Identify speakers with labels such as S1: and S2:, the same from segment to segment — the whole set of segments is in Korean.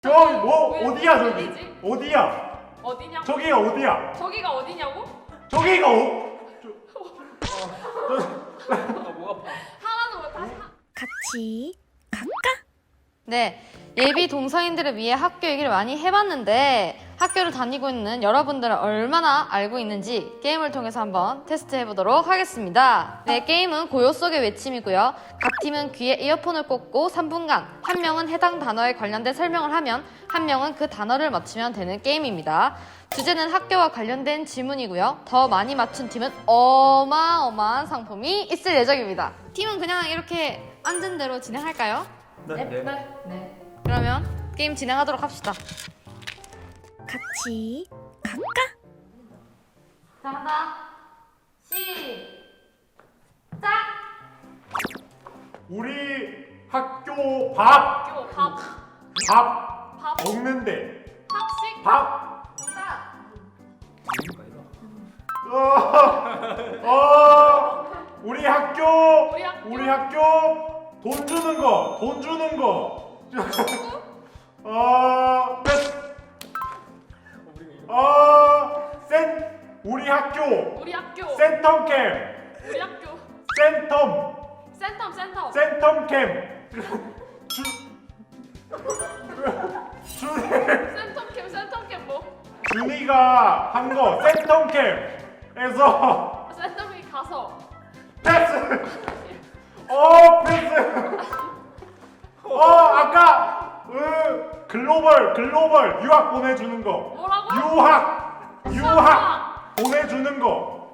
S1: 저기 뭐 어디야 저기?
S2: 어디지?
S1: 어디야?
S2: 어디냐고?
S1: 저기가 어디야?
S2: 저기가 어디냐고?
S1: 저기가
S3: 뭐 아파?
S2: 하나도 못 다시
S4: 같이 갈까?
S5: 네, 예비 동성인들을 위해 학교 얘기를 많이 해봤는데 학교를 다니고 있는 여러분들은 얼마나 알고 있는지 게임을 통해서 한번 테스트해보도록 하겠습니다. 네, 게임은 고요 속의 외침이고요. 각 팀은 귀에 이어폰을 꽂고 3분간 한 명은 해당 단어에 관련된 설명을 하면 한 명은 그 단어를 맞추면 되는 게임입니다. 주제는 학교와 관련된 질문이고요. 더 많이 맞춘 팀은 어마어마한 상품이 있을 예정입니다. 팀은 그냥 이렇게 앉은 대로 진행할까요?
S2: 네.
S5: 그러면 게임 진행하도록 합시다.
S4: 같이 갈까?
S5: 자, 한다. 시작!
S1: 우리 학교 밥
S2: 학교 밥
S1: 먹는데
S2: 학식
S1: 밥
S2: 정답.
S1: 우리 학교
S2: 우리 학교
S1: 돈 주는 거 패스. 우리 학교
S2: 우리 학교
S1: 센텀캠
S2: 우리 학교 센텀
S1: 센텀캠
S2: 센텀캠 뭐?
S1: 준이가 한 거 센텀캠에서
S2: 센텀이 가서
S1: 패스. 아까 글로벌 유학 보내주는 거.
S2: 뭐라고?
S1: 유학 보내주는 거.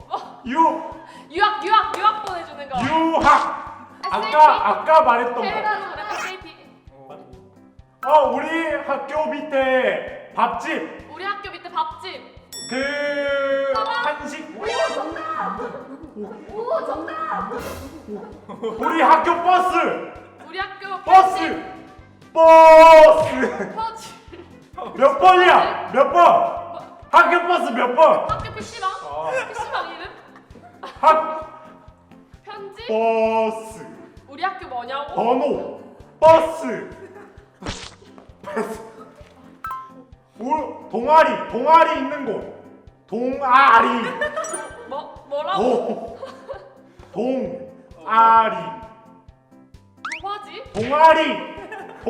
S2: 유학 보내주는 거.
S1: 유학.
S2: SAP?
S1: 아까 말했던
S2: 해외라는 그래 SAP.
S1: 거. 우리 학교 밑에 밥집.
S2: 우리 학교 밑에 밥집.
S1: 한식.
S2: 오 정답.
S1: 우리 학교 버스.
S2: 우리 학교
S1: 버스.
S2: 퍼지.
S1: 몇 번이야? 몇 번? 학교 버스 몇 번?
S2: 학교 PC방? PC방 이름? 편지?
S1: 버스
S2: 우리 학교 뭐냐고?
S1: 번호 버스 동아리 있는 곳 동아리
S2: 뭐라고?
S1: 동아리
S2: 뭐지?
S1: 동아리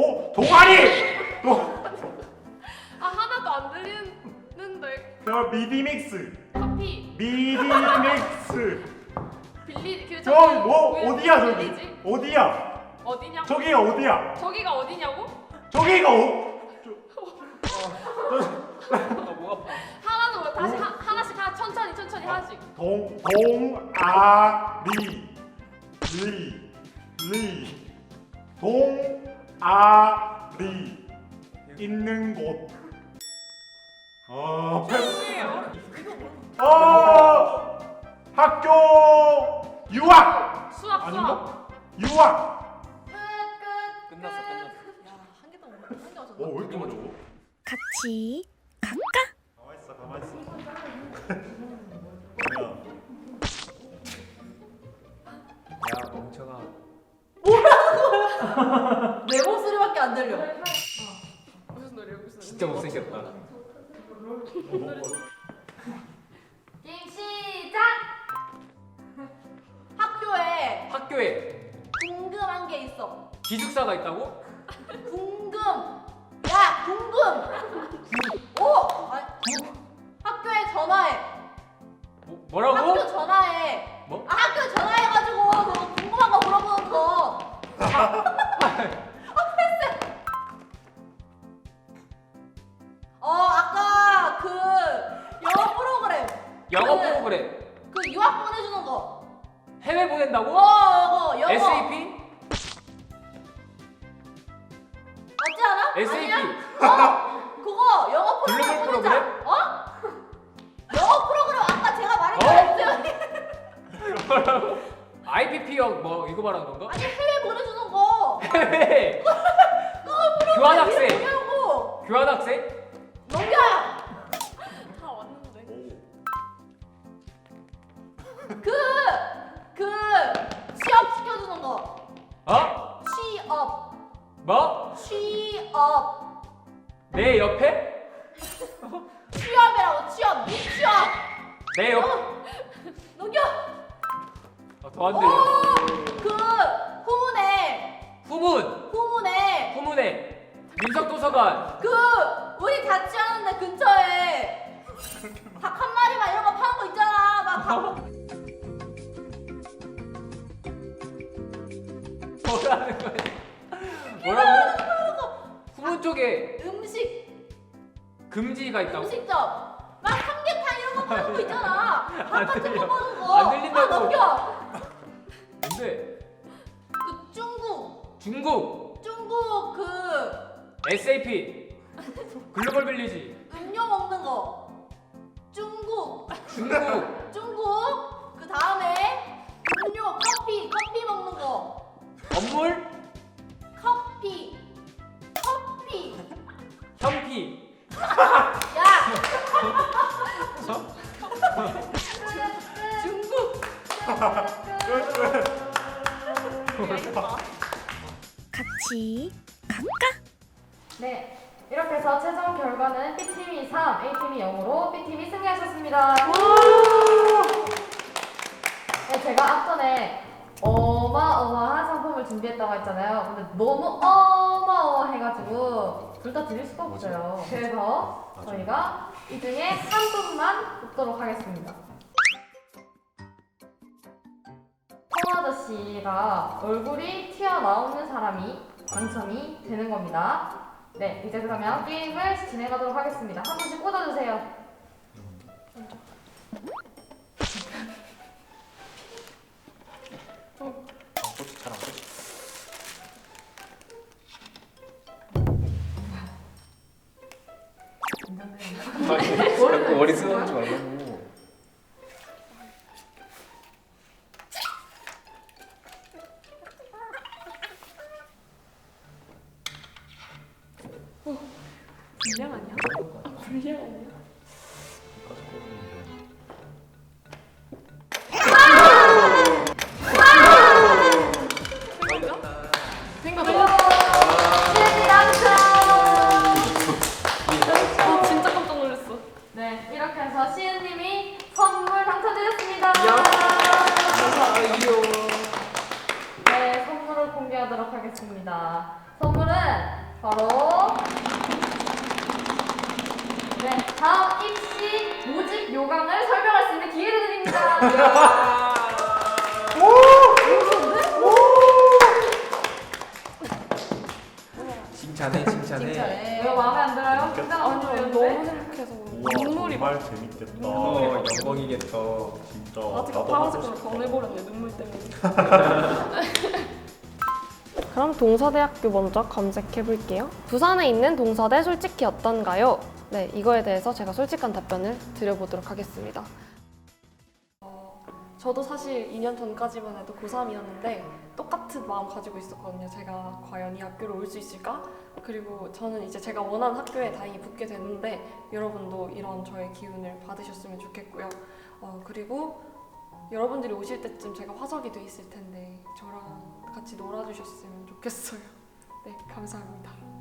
S2: 하나도 안 들리는데.
S1: 미디믹스
S2: 커피 빌리
S1: 저기 뭐 어디야 저기
S2: 빌리지?
S1: 어디야
S2: 어디냐고?
S1: 어디야
S2: 저기가 어디냐고?
S1: 저기가
S3: 뭐 아파?
S2: 하나도 못 다시 하나씩 천천히 하나씩.
S1: 동아리 있는 곳.
S2: 뭐예요?
S1: 학교 유학.
S2: 수학.
S1: 유학.
S2: 끝.
S3: 끝났어.
S2: 한 개도 못 맞췄어.
S1: 왜 이렇게 어려워?
S4: 같이 갈까?
S1: 가만 있어.
S3: 야 멍청아.
S6: 내 목소리밖에 안 들려.
S2: 무슨 노래야?
S3: 진짜 못생겼다.
S2: 게임 시작.
S6: 학교에
S3: 학교에
S6: 궁금한 게 있어.
S3: 기숙사가 있다고?
S6: 궁금. 야, 궁금. 오. 학교에 전화해.
S3: 뭐라고?
S6: 학교 전화해.
S3: 뭐?
S6: 학교 전화해가지고 너 궁금한 거 물어보는 거. 아까 그 영어 프로그램.
S3: 영어 프로그램
S6: 그 유학 보내주는 거.
S3: 해외 보낸다고?
S6: 이거 영어.
S3: SAP?
S6: 맞지 않아?
S3: SAP.
S6: 아니야? 그거 영어 프로그램
S3: 글로벌
S6: 보내자. 영어 프로그램m 아까 제가 말했잖아요.
S3: IPP역 뭐 이거 말하는 건가?
S6: 아니 해외 보내주는 거.
S3: 해외.
S6: 그거
S3: 교환학생.
S6: 뭐냐고.
S3: 교환학생?
S6: 넘겨요.
S2: 다 왔는데.
S6: 그 취업 시켜주는 거.
S3: 어?
S6: 취업.
S3: 뭐?
S6: 취업.
S3: 내 옆에?
S6: 취업이라고 취업 미취업.
S3: 내 옆.
S6: 녹여.
S3: 더 안 들려.
S6: 그 후문에
S3: 후문에 민석도서관.
S6: 그 우리 같이 하는데 근처에 닭 한 마리만 이런 거 파는 거 있잖아. 막
S3: 뭐라는 거야? 뭐라고? 후문 쪽에
S6: 음식
S3: 금지가 있다고?
S6: 음식점 막 삼계탕 이런 거 파는 거 있잖아. 밥
S3: 안
S6: 같은
S3: 들려.
S6: 거 파는 거.
S3: 안 들린다고.
S6: 넘겨.
S3: 근데
S6: 그 중국 그
S3: SAP 글로벌 빌리지
S6: 음료 먹는 거. 중국 그 다음에 음료 커피 먹는 거.
S3: 건물
S6: 커피
S3: 현피
S6: 야 중국
S4: 같이 갈까?
S5: 네, 이렇게 해서 최종 결과는 B팀이 3, A팀이 0으로 B팀이 승리하셨습니다. 네, 제가 앞전에 어마어마한 상품을 준비했다고 했잖아요. 근데 너무 어마어마해가지고 둘 다 드릴 수가 없어요. 그래서 저희가 이 중에 한 분만 뽑도록 하겠습니다. 통 아저씨가 얼굴이 튀어나오는 사람이 당첨이 되는 겁니다. 네, 이제 그러면 게임을 진행하도록 하겠습니다. 한 분씩 꽂아주세요.
S7: 자꾸 머리 쓰러지지 말라고.
S2: 불량 아니야? 불량 아니야? 아 진짜 깜짝 놀랐어.
S5: 네, 이렇게 해서 시은님이 선물 당첨되셨습니다. 네, 선물을 공개하도록 하겠습니다. 선물은 바로 네, 다음 입시 모집 요강을 설명할 수 있는 기회를 드립니다.
S7: 칭찬해.
S5: 이거 마음에 안 들어요? 굉장한
S2: 아니요
S5: 선물이었는데?
S2: 너무 행복해서
S1: 우와
S2: 눈물이
S1: 정말 재밌겠다.
S7: 영광이겠다.
S1: 진짜
S2: 아직
S1: 나도
S2: 파란색으로
S1: 하고 싶다.
S2: 변해버렸네 눈물 때문에. 그럼 동서대학교 먼저 검색해 볼게요. 부산에 있는 동서대 솔직히 어떤가요? 네, 이거에 대해서 제가 솔직한 답변을 드려보도록 하겠습니다. 저도 사실 2년 전까지만 해도 고3이었는데 똑같은 마음 가지고 있었거든요. 제가 과연 이 학교를 올 수 있을까? 그리고 저는 이제 제가 원하는 학교에 다행히 붙게 됐는데 여러분도 이런 저의 기운을 받으셨으면 좋겠고요. 그리고 여러분들이 오실 때쯤 제가 화석이 돼 있을 텐데 저랑 같이 놀아주셨으면 좋겠어요. 네, 감사합니다.